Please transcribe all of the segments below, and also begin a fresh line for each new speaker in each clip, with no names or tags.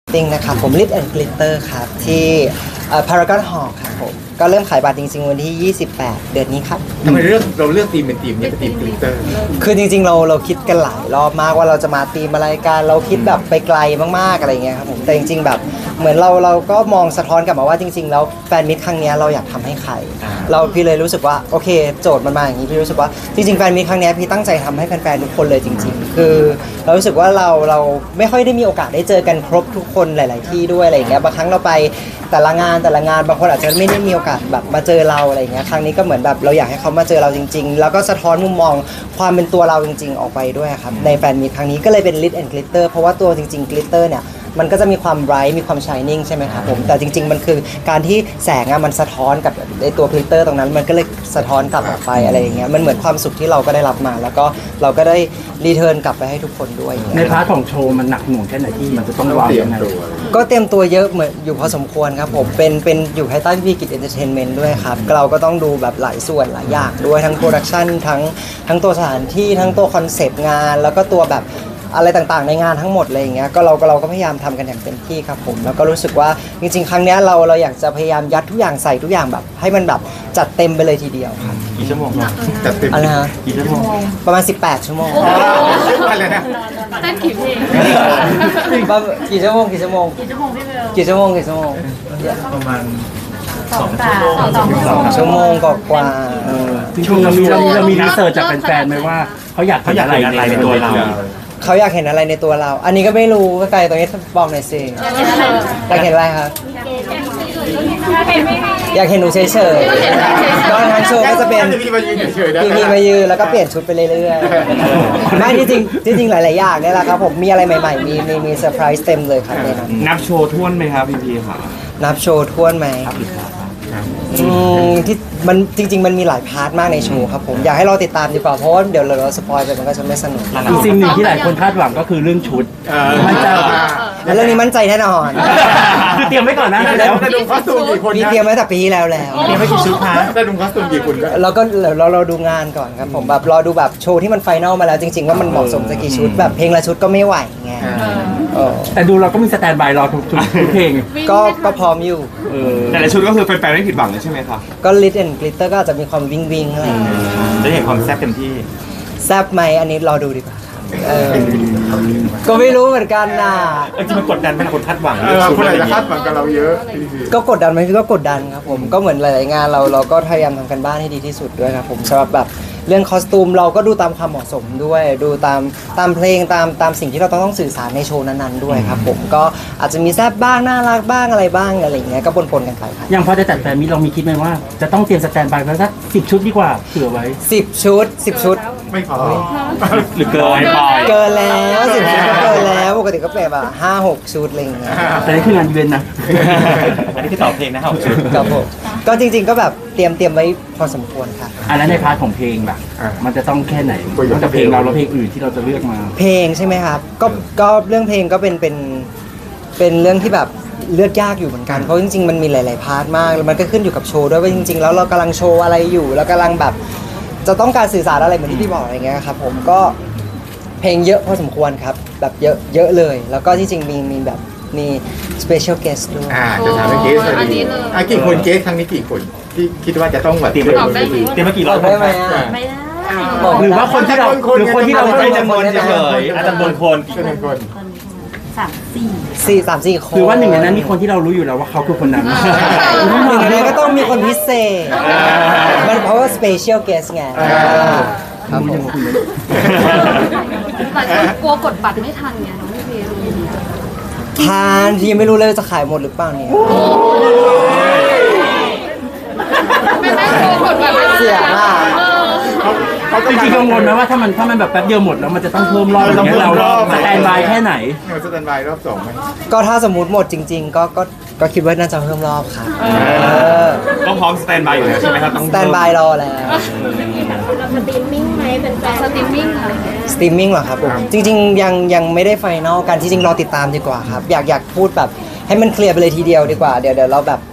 ติ้งนะครับผม Lit and Glitter ครับที่Paragon Hall ครับผมก็เริ่มขายบัตรจริงๆวันที่ 28 เดือนนี้ครับ
ทำไมเราเลือกธีมเป็นธีมนี้เป็นธีมกลิตเตอร์
คือจริงๆเราคิดกันหลายรอบมากว่าเราจะมาธีมอะไรกันเราคิดแบบไปไกลมากๆอะไรเงี้ยครับผมแต่จริงๆแบบเหมือนเราก็มองสะท้อนกลับมาว่าจริงๆแล้วแฟนมิตรครั้งนี้เราอยากทำให้ใครพี่เลยรู้สึกว่าโอเคโจทย์มันมาอย่างนี้พี่รู้สึกว่าจริงๆแฟนมิตรครั้งนี้พี่ตั้งใจทำให้แฟนๆทุกคนเลยจริงๆคือเรารู้สึกว่าเราไม่ค่อยได้มีโอกาสได้เจอกันครบทุกคนหลาย ๆที่ด้วยอะไรเงี้ยบางครั้งเราไปแต่ละงานบางคนอาจจะไม่ได้มีโอกาสแบบมาเจอเราอะไรเงี้ยครั้งนี้ก็เหมือนแบบเราอยากให้เขามาเจอเราจริงๆแล้วก็สะท้อนมุมมองความเป็นตัวเราจริงๆออกไปด้วยครับในแฟนมีตครั้งนี้ก็เลยเป็น Lit and Glitter เพราะว่าตัวจริงๆ Glitter เนี่ยมันก็จะมีความ bright มีความ shining ใช่ไหมครับผมแต่จริงๆมันคือการที่แสงอะมันสะท้อนกับในตัว Glitter ตรงนั้นมันก็เลยสะท้อนกลับออกไปอะไรอย่างเงี้ยมันเหมือนความสุขที่เราก็ได้รับมาแล้วก็เราก็ได้รีเทิร์นกลับไปให้ทุกคนด้วย
ในพาร์ทของโชว์มันหนักหน่วงแค่ไหนที่มันจะต้องวาง
เตรียม
ยังไง
ตัว
ก็เตรียมตัวเยอะเหมือนอยู่พอสมควรครับผมเป็นอยู่ภายใต้พี่กิจเอนเตอร์เทนเมนต์ด้วยครับเราก็ต้องดูแบบหลายส่วนหลายอย่างด้วยทั้งโปรดักชันทั้งตัวสถานที่ทั้งตัวคอนเซปต์งานแล้วก็ตัวแบบอะไรต่างๆในงานทั้งหมดอะไรอย่างเงี้ยก็เราก็พยายามทำกันอย่างเต็มที่ครับผมแล้วก็รู้สึกว่าจริงๆครั้งเนี้ยเราอยากจะพยายามยัดทุกอย่างใส่ทุกอย่างแบบให้มันแบบจัดเต็มไปเลยทีเดียวครับ
กี่ชั่วโมงครับ
จัดเต็ม
อะไรฮะ
กี่ชั่วโมง
ประมาณ18 ชั่วโมง
อะไรนะ
เต้นกี่เพลง
กี่ชั่วโมงกี่ชั่วโมง
กี่ชั่วโมงพี่เบล
กี่ชั่วโมงกี่ชั่วโมง
ประมาณ
2 ชั่วโมงกว่า
จริงๆเรามีรีเสิร์ชจากแฟนๆไหมว่าเขาอยากเห็นอะไรในตัวเรา
เขาอยากเห็นอะไรในตัวเรา อันนี้ก็ไม่รู้ก็ไกลตรงนี้บอกหน่อยสิอยากเห็นอะไรครับ อยากเห็นหนูเฉยๆก็ทั้งโชว์ก็จะเป็น
พี่มายืนเฉยๆได้
พี่มายืนแล้วก็เปลี่ยนชุดไปเรื่อยๆไม่ที่จริงหลายๆอย่างเนี่ยแหละครับผมมีอะไรใหม่ๆมีเซอร์ไพรส์เต็มเลยครับในนั้น
นับโชว์ท่วนไหมครับพี่ค่ะ
นับโชว์ท้วนไหมที่มันจริง ๆ มันมีหลายพาร์ทมากในโชว์ครับผมอยากให้เราติดตามดีกว่าเพราะว่าเดี๋ยวเราสปอยไปมันก็จะไม่สนุก
อีกสิ่งหนึ่งที่หลายคนคาดหวังก็คือเรื่องชุดมันจะ
แล้วเรื่องนี้มั่นใจแน่นอน
คือเตรียมไว้ก่อนนะ
แล้วจะดูคอสตูมกี่คน
มี
นะ
เตรียมไว้แต่ปีที่แล้ว
เตรียมไว้กี่ชุดคะ
จะดูคอสตูมกี่คนก็
เราก็เราดูงานก่อนครับผมแบบรอดูแบบโชว์ที่มันไฟนอลมาแล้วจริงๆว่ามันเหมาะสมจะกี่ชุดแบบเพลงละชุดก็ไม่ไหวไงเออ
แต่ดูเราก็มีสแตนด์บายรอทุกเพลง
ก็พร้อมอยู่
แต่ละชุดก็คือแฟนๆไม่ผิดหวังเลยใช่ไหมครับ
ก็ Lit and Glitter ก็อาจจะมีความวิงอะไรอย่างเงี้ย
ได้เห็นความแซ่บเต็มที่
แซบไหมอันนี้รอดูดีกว่าครับก็ไม่รู้เหมือนกันนะ
จริงมันกดดันไหมคนคาดหวัง
คนอาจจะคาดหวังกับเราเยอะ
ก็กดดันไหมพี่ก็กดดันครับผมก็เหมือนหลายๆงานเราก็พยายามทำกันบ้านให้ดีที่สุดด้วยครับผมสำหรับแบบเรื่องคอสตูมเราก็ดูตามความเหมาะสมด้วยดูตามเพลงตามสิ่งที่เราต้องสื่อสารในโชว์นั้นๆด้วยครับผมก็อาจจะมีแซบบ้างน่ารักบ้างอะไรบ้างอะไรอย่างเงี้ยก็ปนๆกันไปครับ
อย่างพอจะจัดแฟนมิตรเรามีคิดไหมว่าจะต้องเตรียมสแตนด์บายไว้สัก10 ชุดดีกว่าเผื่อไว้
10 ชุด
ไม่พอ
หรือเกิน
เกินแล้ว10 ชุดก็เกินแล้วปกติก็เป็นแบบ5-6 ชุดอะไรอย่างเงี้ย
แต่นี่คืองานอีเวนต์นะ
อันนี้คือตอบเพลงนะครับชุด
ครับผมก็จริงๆก็แบบเตรียมไว้พอสมควรค่ะ
อันนั้นในพาร์ทของเพลงล่ะมันจะต้องแค่ไหนนอกจากเพลงเราแล้วเพลงอื่นที่เราจะเลือกมา
เพลงใช่ไหมครับก็เรื่องเพลงก็เป็นเรื่องที่แบบเลือกยากอยู่เหมือนกันเพราะจริงๆมันมีหลายๆพาร์ทมากแล้วมันก็ขึ้นอยู่กับโชว์ด้วยว่าจริงๆแล้วเรากำลังโชว์อะไรอยู่แล้วกำลังแบบจะต้องการสื่อสารอะไรเหมือนที่พี่บอกอะไรเงี้ยครับผมก็เพลงเยอะพอสมควรครับแบบเยอะเลยแล้วก็ที่จริงมีแบบมี special guest ด้วย
จะถามเกสเลยกี่คนเกสครั้งนี้กี่คนที่คิดว่าจะต้องแบบ
เตรียมมากี่รอบ
ได้ไหมอ่ะ
ไม่ได้
หรือว่าคนที่เราหรือคนที่เรา
ไม่
ไม่
ได้
ได้
จำนวนเฉยๆอาจจะจำนวนคนกี่
จำนวนคน
3-4 คน
หรือว่าหนึ่งในนั้นมีคนที่เรารู้อยู่แล้วว่าเขาคือคนนั้น
หนึ่งในนั้นก็ต้องมีคนพิเศษมันเพราะว่า special guest ไงครับผม
แต่ก็กลัวกดบัตรไม่ทันไงน้องพี่เพล
ทานที่ยังไม่รู้เลยว่าจะขายหมดหรือเปล่าเนี่ย
ไม่กลัวกดบัตรไม่ทัน
เสียมาก
จริงๆกังวลไหมว่าถ้ามันแบบแป๊บเดียวหมดแล้วมันจะต้องเพิ่มรอบอย่างเงี้ยเราสแตนด์บายแค่ไหน
สแตนบายรอบ2ไหม
ก็ถ้าสมมติหมดจริง ๆ ก็คิดว่าน่าจะเพิ่มรอบครับ
ต้องพร้อมสแตนบายอยู่แล้วใช่ไหมครับต้อง
สแตนบายรอแล้ว
สตรีมมิ่งไหมเป็นแฟนสตรีมมิ่งอะไรอย่างเงี้ย
สตรีมมิ่งเหรอครับผมจริงๆยังไม่ได้ไฟนอลกันที่จริงรอติดตามดีกว่าครับอยากพูดแบบให้มันเคลียร์ไปเลยทีเดียวดีกว่าเดี๋ยวเราแบบ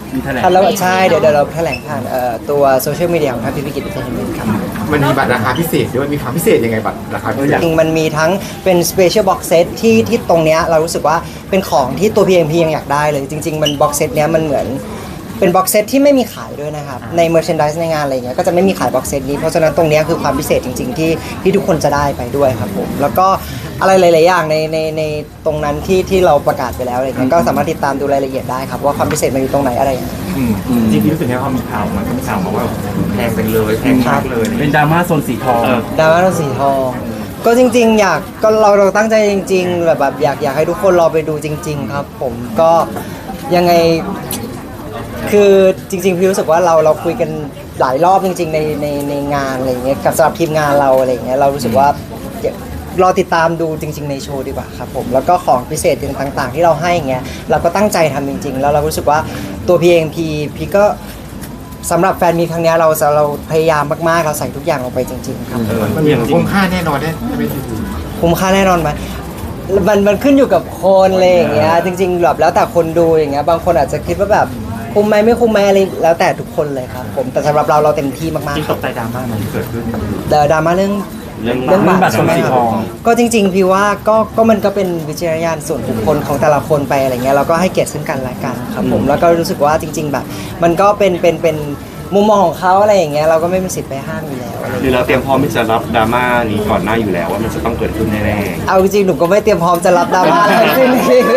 มีแถลง
แล้วใช่เดี๋ยวเราแถลงผ่านตัวโซเชียลมีเดียของทางพิพิกิจอินเตอร์เทนเมนต์ครับ
มันมีบัตรราคาพิเศษด้วยมีความพิเศษยังไงบัตรราคาพิเศษ
จริงๆมันมีทั้งเป็น Special Box Set ที่ตรงเนี้ยเรารู้สึกว่าเป็นของที่ตัว PMP ยังอยากได้เลยจริงๆมัน Box Set เนี้ยมันเหมือนเป็น Box Set ที่ไม่มีขายด้วยนะครับใน Merchandise ในงานอะไรเงี้ยก็จะไม่มีขาย Box Set นี้เพราะฉะนั้นตรงเนี้ยคือความพิเศษจริงๆที่ทุกคนจะได้ไปด้วยครับผมแล้วก็อะไรหลายๆอย่างในตรงนั้นที่เราประกาศไปแล้วอะไรเงี้ยก็สามารถติดตามดูรายละเอียดได้ครับว่าความพิเศษมันอยู่ตรงไหนอะไรยังไง
จริงๆรู้สึกไงพอมีข่าวมันก็มีข่าวมาว่าแพงไปเลยแพงมากเลย
เป็นดราม่าโซนสีทอง
ดราม่าสีทองก็จริงๆอยากก็เราตั้งใจจริงๆแบบอยากให้ทุกคนรอไปดูจริง ๆ ครับ ผมก็ยังไงคือจริงๆพี่รู้สึกว่าเราคุยกันหลายรอบจริงๆในงานอะไรอย่างเงี้ยกับสำหรับทีมงานเราอะไรอย่างเงี้ยเรารู้สึกว่ารอติดตามดูจริงๆในโชว์ดีกว่าครับผมแล้วก็ของพิเศษต่างๆที่เราให้อย่างเงี้ยเราก็ตั้งใจทำจริงๆแล้วเรารู้สึกว่าตัวพีเองพี่ก็สำหรับแฟนมีครั้งเนี้ยเราพยายามมากๆเราใส่ทุกอย่างลงไปจริงๆครับ
มันมีคุ้มค่าแน่นอนได้ไม่ใช่
คุ้มค่าแน่นอนไหมมันขึ้นอยู่กับคนอะไรอย่างเงี้ยจริงๆแบบแล้วแต่คนดูอย่างเงี้ยบางคนอาจจะคิดว่าแบบคุ้มไหมไม่คุ้มไหมอะไรแล้วแต่ทุกคนเลยครับผมแต่สำหรับเราเต็มที่มาก
จริง
ๆค
ต
รับ
กใจดราม่ามันเกิดขึ้น
ดราม่าเรื่อง
เรื่อง
เรื่องบัตร
โซนสีทอง
ก็จริงๆพี่ว่าก็มันก็เป็นวิจารณญาณส่วนบุคคลของแต่ละคนไปอะไรเงี้ยเราก็ให้เกียรติซึ่งกันและกันครับผมแล้วก็รู้สึกว่าจริง ๆ แบบ มันก็เป็นมุมมองของเขาอะไรอย่างเงี้ยเราก็ไม่มีสิทธิ์ไปห้ามอยู่แล้วอะไร
คือเราเตรียมพร้อมที่จะรับดราม่านี้ก่อนหน้าอยู่แล้วว่ามันจะต้องเกิดขึ้นแน่
เอาจริงๆหนูก็ไม่เตรียมพร้อมจะรับดราม่าทั้งสิ้น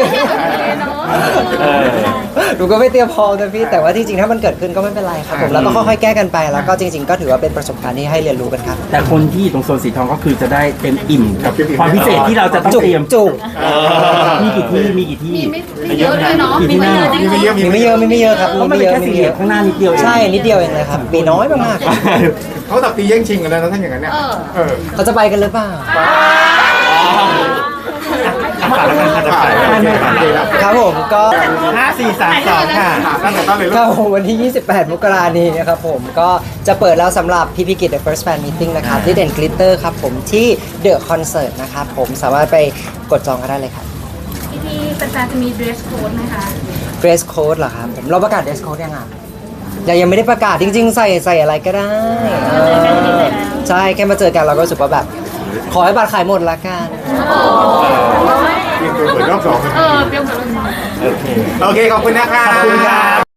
หนูก็ไม่เตรียมพร้อมนะพี่แต่ว่าจริงๆถ้ามันเกิดขึ้นก็ไม่เป็นไรครับผมแล้วก็ค่อยๆแก้กันไปแล้วก็จริง ๆ ก็ถือว่าเป็นประสบการณ์ที่ให้เรียนรู้กันครับ
แต่คนที่อยู่ตรงโซนสีทองก็คือจะได้เต็มอิ่มกับความพิเศษที่เราจะต้อง
จุก
เตรียม
จุก
มีกี่ที่มีกี่ที่
ไม่เยอะเลยเนาะ
มีไม่เยอะ
มีไม่เยอะ
มีไม่เยอะครับ
เพราะมันเป็นแค่สี่เหลี่ยมข้างหน้านิดเดียวเอง
ใช่นิดเดียวเองเลยครับมีน้อยมากๆครับ
เขาตับตีแย่งชิงกันแล้วนะท่านอย่างนั้นเนี่ยเออ
เขาจะไปกันหรือเปล่า
ฝากแล้วกันค่ะจะขาย
ครับผมก็
5432ค่ะ
ตั้งแต่ต้นเลยลู
ก็
ก
วันที่ 28 มกราคมนี้นะครับผมก็จะเปิดแล้วสำหรับพีพีกิจ The First Fan Meeting นะครับที่เด่นกลิตเตอร์ครับผมที่ The Concert นะครับผมสามารถไปกดจองกันได้เลยครับ
พี่แฟนๆจะมี dress code ไหมคะ
Dress Code เหรอครับผมเราประกาศ Dress Code ยังอ่ะยังไม่ได้ประกาศจริงๆ ใส่อะไรก็ได้ใช่แค่มาเจอกันเราก็รู้สึกว่าแบบขอให้บัตรขายหมดละกัน
เตรียมตัวเปิดรอบสอง
เตรียมตัว
โอเคขอบคุณนะครับ